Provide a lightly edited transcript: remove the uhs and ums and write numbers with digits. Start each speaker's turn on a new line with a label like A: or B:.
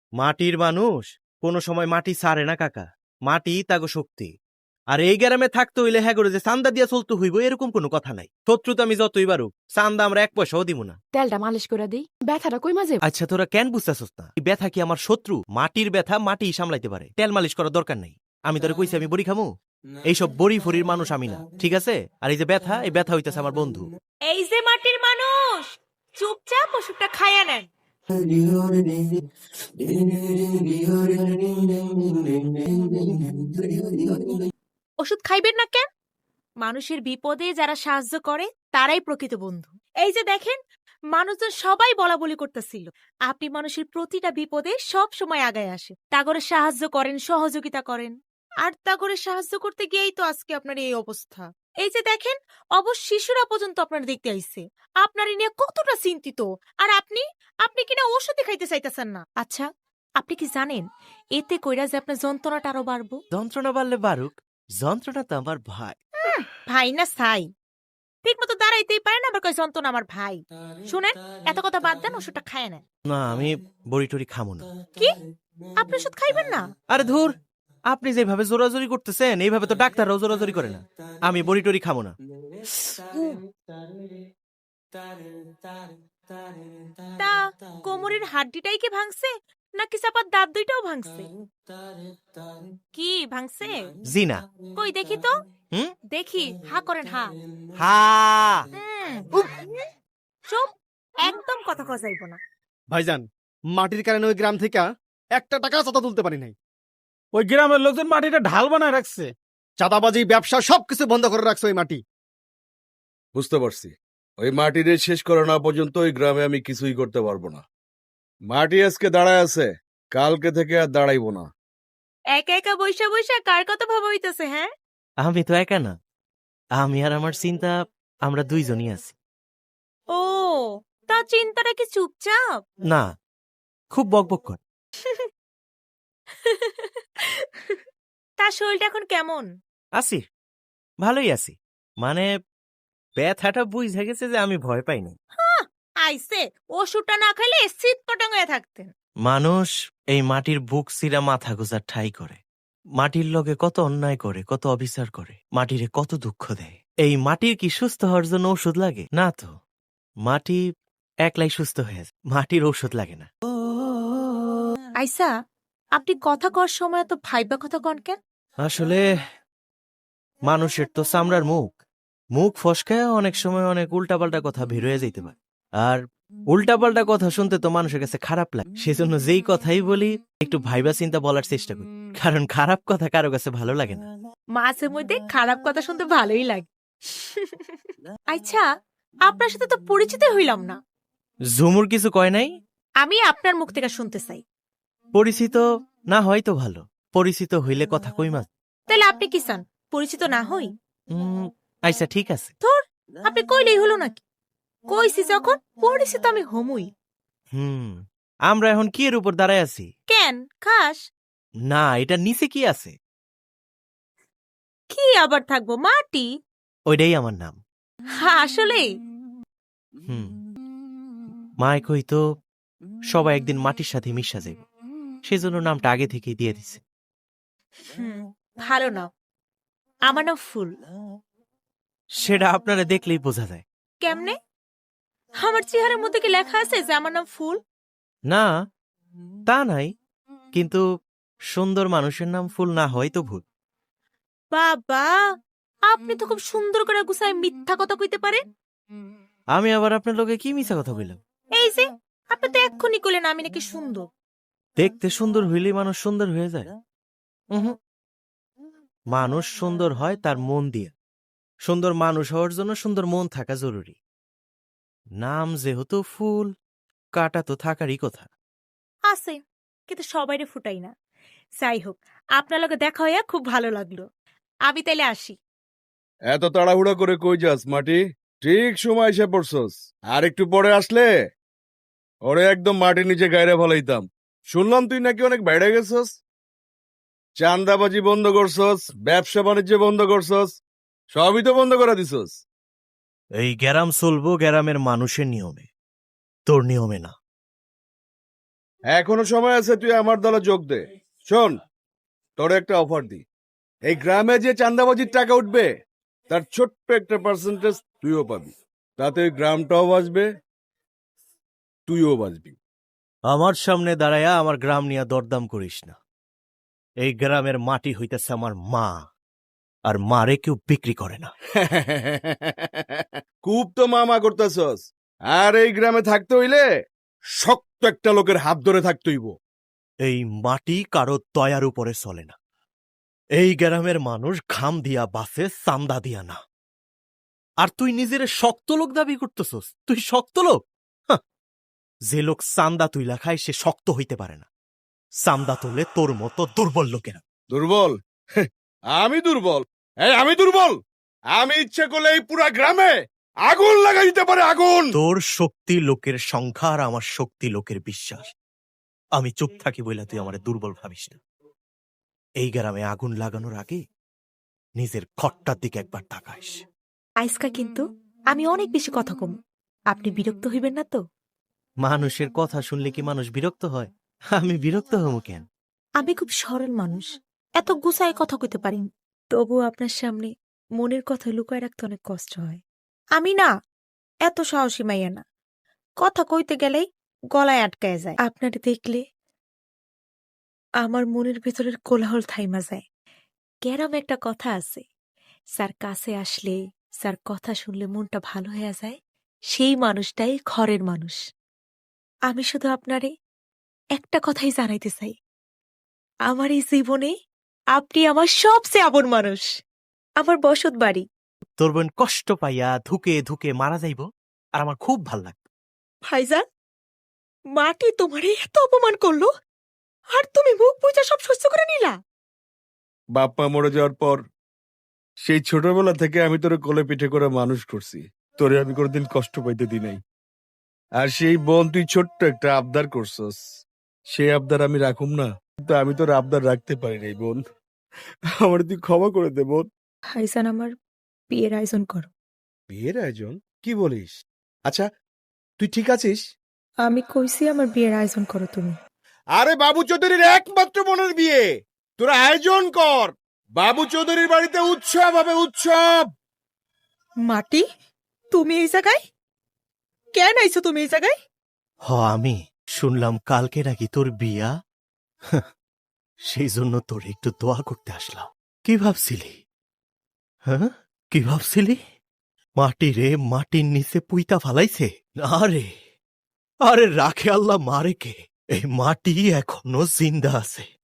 A: মাটির মানুষ কোনো সময় মাটি ছাড়ে না কাকা। মাটি তাগো শক্তি। আর এই গ্রামে থাকতে হইলে হ্যাঁ করে যে চান্দা দিয়া চলতে হইব এরকম কোনো কথা নাই। শত্রু তো আমি যতই বারুক চান্দা আমরা এক পয়সাও দিব না।
B: তেলটা মালিশ করে দিই, ব্যথাটা কই মাঝে।
A: আচ্ছা তোরা কেন বুঝতেছস না? এই ব্যথা কি আমার শত্রু? মাটির ব্যথা মাটি সামলাইতে পারে, তেল মালিশ করার দরকার নাই। আমি তোরে কইছি আমি বড়ি খামু? এইসব বড়ি ফড়ির মানুষ আমি না, ঠিক আছে? আর এই যে ব্যথা, এই ব্যথা হইতেছে আমার বন্ধু।
C: এই যে মাটির মানুষ, চুপচাপ ওষুধটা খাইয়া নেন। ওষুধ খাইবেন না কেন? মানুষের বিপদে যারা সাহায্য করে তারাই প্রকৃত বন্ধু। এই যে দেখেন, মানুষজন সবাই বলা বলি করতেছিল, আপনি মানুষের প্রতিটা বিপদে সব সময় আগায় আসে, তাগরে সাহায্য করেন, সহযোগিতা করেন। আর তাগরে সাহায্য করতে গিয়েই তো আজকে আপনার এই অবস্থা। এই যে দেখেন, অবশ্য শিশুরা পর্যন্ত আপনার দেখতে আইছে, আপনার নিয়ে কতটা চিন্তিত। আর আপনি আপনি কিনা ওষুধই খাইতে চাইতেছেন না। আচ্ছা, আপনি কি জানেন এতে কইরা যে আপনার যন্ত্রণাটা আরো বাড়বো?
A: যন্ত্রণা বাড়লে বারুক, যন্ত্রণা তো আমার ভাই।
C: ভাই না ছাই, ঠিক মতো দাঁড়াইতেই পারে না, আবার কয় যন্ত্রণা আমার ভাই। শুনেন, এত কথা বাদ দেন, ওষুধটা খায় নেন।
A: না আমি বড়ি টড়ি খামো না।
C: কি, আপনি ওষুধ খাইবেন না?
A: আরে ধুর, আপনি যেভাবে জোরাজোরি করতেছেন এইভাবে তো ডাক্তাররাও জোরাজোরি করে না। আমি বড়ি টড়ি খামো না।
C: তা কোমরের হাড্ডিটাই কি ভাঙছে, নাকি চাপার দাঁত দুইটাও ভাঙছে? কি ভাঙছে?
A: জি না।
C: কই দেখি তো।
A: হুম?
C: দেখি, হা করেন, হা।
A: হা।
C: চুপ, একদম কথা কজাইব না।
D: ভাইজান, মাটির কারণে ওই গ্রাম থেকে একটা টাকা চাঁদা তুলতে পারি নাই।
E: ওই গ্রামের লোকজন মাটিটা ঢাল বানায় রাখছে।
D: চাঁদাবাজি, ব্যবসা সবকিছু বন্ধ করে রাখছে ওই মাটি।
F: বুঝতে পারছি, ওই মাটিরে শেষ করা না পর্যন্ত ওই গ্রামে আমি কিছুই করতে পারবো না। মাটি আজকে দাঁড়ায় আছে, কালকে থেকে আর দাঁড়াইবো না।
C: একা একা বইসা বইসা কার কথা ভাবা হইতেছে? হ্যাঁ,
A: আমি তো একা না, আমি আর আমার চিন্তা আমরা দুইজনই আছি।
C: ও, তা চিন্তাটা কি চুপচাপ?
A: না, খুব বকবক কর।
C: তার শরীরটা এখন কেমন?
A: আছি, ভালোই আছি। মানে ব্যথাটা বুঝে গেছে যে আমি ভয় পাই না।
C: আইসে, ওষুধটা না খাইলে শীত পটাং হয়ে থাকতেন।
A: মানুষ এই মাটির বুক চিরা মাথা গোজার ঠাই করে, মাটির লগে কত অন্যায় করে, কত অবিচার করে, মাটিরে কত দুঃখ দেয়। এই মাটির কি সুস্থ হওয়ার জন্য ওষুধ লাগে? না তো, মাটি একলাই সুস্থ হয়ে যায়, মাটির ঔষধ লাগে না।
C: আইসা, আপনি কথা কর সময় তো ভাইবা কথা কন কেন?
A: আসলে মানুষের তো চামড়ার মুখ, মুখ ফসকায় অনেক সময় অনেক উল্টাপাল্টা কথা বের হয়ে যাইতে পারে। আর উল্টাপাল্টা কথা শুনতে তো মানুষের কাছে খারাপ লাগে, সেজন্য যেই কথাই বলি একটু ভাইবা চিন্তা বলার চেষ্টা করি, কারণ খারাপ কথা কারো কাছে ভালো লাগে না।
C: মাঝে মধ্যে খারাপ কথা শুনতে ভালোই লাগে। আচ্ছা, আপনার সাথে তো পরিচিত হইলাম না।
A: ঝুমুর কিছু কয় নাই?
C: আমি আপনার মুখ থেকে শুনতে চাই।
A: পরিচিত না হয় তো ভালো, পরিচিত হইলে কথা কই মাছ।
C: তাহলে আপনি কি চান, পরিচিত না হই?
A: আচ্ছা ঠিক আছে।
C: ধর, আপনি কইলেই হলো নাকি? কইছি যখন, পরিচিত আমি হমুই।
A: আমরা এখন কি এর উপর দাঁড়ায় আছি?
C: কেন খাস?
A: না, এটা নিচে কি আছে?
C: কি আবার থাকবো, মাটি।
A: ওইটাই আমার নাম।
C: আসলে
A: মায় কইতো সবাই একদিন মাটির সাথে মিশা যাবে, সেজন্য নামটা আগে থেকেই দিয়ে দিছে।
C: ভালো নাম। আমার নাম ফুল।
A: সেটা আপনারা দেখলেই বোঝা যায়।
C: কেমনে? আমার চেহারার মধ্যে কি লেখা আছে যে আমার নাম ফুল?
A: না, তা নাই, কিন্তু সুন্দর মানুষের নাম ফুল না হয় তো ভুল।
C: বাবা, আপনি তো খুব সুন্দর করে গুছায় মিথ্যা কথা কইতে পারেন।
A: আমি আবার আপনার লোকে কি মিছা কথা বললাম?
C: এই যে, আপনি তো এক্ষুনি কইলেন আমি নাকি সুন্দর।
A: দেখতে সুন্দর হইলেই মানুষ সুন্দর হয়ে যায়? মানুষ সুন্দর হয় তার মন দিয়ে। সুন্দর মানুষ হওয়ার জন্য সুন্দর মন থাকা জরুরি। নাম যেহেতু ফুল, কাটা তো থাকারই কথা।
C: আছে, কিন্তু সবাইরে ফুটাই না। যাই হোক, আপনার লগে দেখা হইয়া খুব ভালো লাগলো। আমি তাইলে আসি।
F: এত তাড়াহুড়া করে কই যাস মাটি? ঠিক সময় এসে পড়ছস। আর একটু পরে আসলে ওরে একদম মাটির নিচে গায়রে ফলাইতাম। শুনলাম তুই নাকি অনেক বাইরে গেছস, চান্দাবাজি বন্ধ করছস, ব্যবসা বাণিজ্য বন্ধ করছস, সবই তো বন্ধ করে দিছস।
A: এই গ্যারাম চলবো গ্যারামের মানুষের নিয়মে, তোর নিয়মে না।
F: এখনো সময় আছে, তুই আমার দলে যোগ দে। শোন, তোর একটা অফার দি। এই গ্রামে যে চাঁদাবাজির টাকা উঠবে তার ছোট্ট একটা পার্সেন্টেজ তুইও পাবি। তাতে ওই গ্রামটাও বাঁচবে, তুইও বাঁচবি।
A: আমার সামনে দাঁড়ায়া আমার গ্রাম নিয়ে দরদাম করিস না। এই গ্রামের মাটি হইতেছে আমার মা, আর মারে কেউ বিক্রি করে না।
F: খুব তো মামা করতেছস। আর এই গ্রামে থাকতে হইলে শক্ত একটা লোকের হাত ধরে থাকতে হইব।
A: এই মাটি কারো দয়ার উপরে চলে না। এই গ্রামের মানুষ ঘাম দিয়া বাসে, চান্দা দিয়া না। আর তুই নিজের শক্ত লোক দাবি করতেছস? তুই শক্ত লোক? হাহ, যে লোক চান্দা তুইলা খায় সে শক্ত হইতে পারে না। চান্দা তোলে তোর মতো দুর্বল লোকেরা।
F: দুর্বল? আমি দুর্বল? আমি দুর্বল? আমি ইচ্ছে করলে এই পুরা গ্রামে আগুন লাগাই দিতে পারে, আগুন।
A: তোর শক্তি লোকের সংখ্যা, আর আমার শক্তি লোকের বিশ্বাস। আমি চুপ থাকি বইলা তুই আমার দুর্বল ভাবিস না। এই গ্রামে আগুন লাগানোর আগে নিজের ঘরটার দিকে একবার তাকাইস।
C: আইসকা কিন্তু আমি অনেক বেশি কথা কম। আপনি বিরক্ত হইবেন না তো?
A: মানুষের কথা শুনলে কি মানুষ বিরক্ত হয়? আমি বিরক্ত হব কেন?
C: আমি খুব সরল মানুষ, এত গুছায় কথা কইতে পারি না। তবু আপনার সামনে মনের কথা লুকায় রাখতে অনেক কষ্ট হয়। আমি না এত সাহসী মাইয়া না, কথা কইতে গেলেই গলায় আটকায় যায়। আপনারে দেখলে আমার মনের ভেতরের কোলাহল থাইমা যায়। গ্যারামে একটা কথা আছে, স্যার কাছে আসলে, স্যার কথা শুনলে মনটা ভালো হয়ে যায়, সেই মানুষটাই ঘরের মানুষ। আমি শুধু আপনারে একটা কথাই জানাইতে চাই, আমার এই জীবনে আপনি আমার সবচেয়ে আপন মানুষ। আমার বসত বাড়ি।
A: তোর বোন কষ্ট পাইয়া ধুকে ধুকে মারা যাইব, আর আমার খুব ভাল লাগবে।
C: ভাইজান, মাটি তোমারে এত অপমান করলো, আর তুমি মুখ বুঝা সব সহ্য করে নিলা?
F: বাপ্পা মরে যাওয়ার পর সেই ছোটবেলা থেকে আমি তোরে কোলে পিঠে করে মানুষ করছি। তোরে আমি কোনোদিন কষ্ট পাইতে দি নাই। আর সেই বোন তুই ছোট্ট একটা আবদার করছস, সেই আবদার আমি রাখুম না? কিন্তু আমি তোর আবদার রাখতে পারি নাই বোন। আমার তুই ক্ষমা করে দে বোন।
C: ভাইজান, আমার বিয়ের আয়োজন করো।
F: বিয়ের আয়োজন? কি বলিস? আচ্ছা, তুই ঠিক আছিস?
C: আমি কইছি আমার বিয়ের আয়োজন করো তুমি।
F: আরে বাবু চৌধুরীর একমাত্র বোনের বিয়ে, তোরা আয়োজন কর। বাবু চৌধুরীর বাড়িতে উৎসব হবে, উৎসব।
C: মাটি, তুমি এই জায়গায় কেন আইছো? তুমি এই জায়গায়?
A: আমি শুনলাম কালকে নাকি তোর বিয়া। হাহ, সেই জন্য তোর একটু দোয়া করতে আসলাম। কি ভাবছিলি? হ্যাঁ, কি ভাবছিলি? মাটি রে মাটির নিচে পুইতা ফালাইছে? আরে আরে রাখে আল্লাহ মারে কে, এই মাটি এখনো জিন্দা আছে।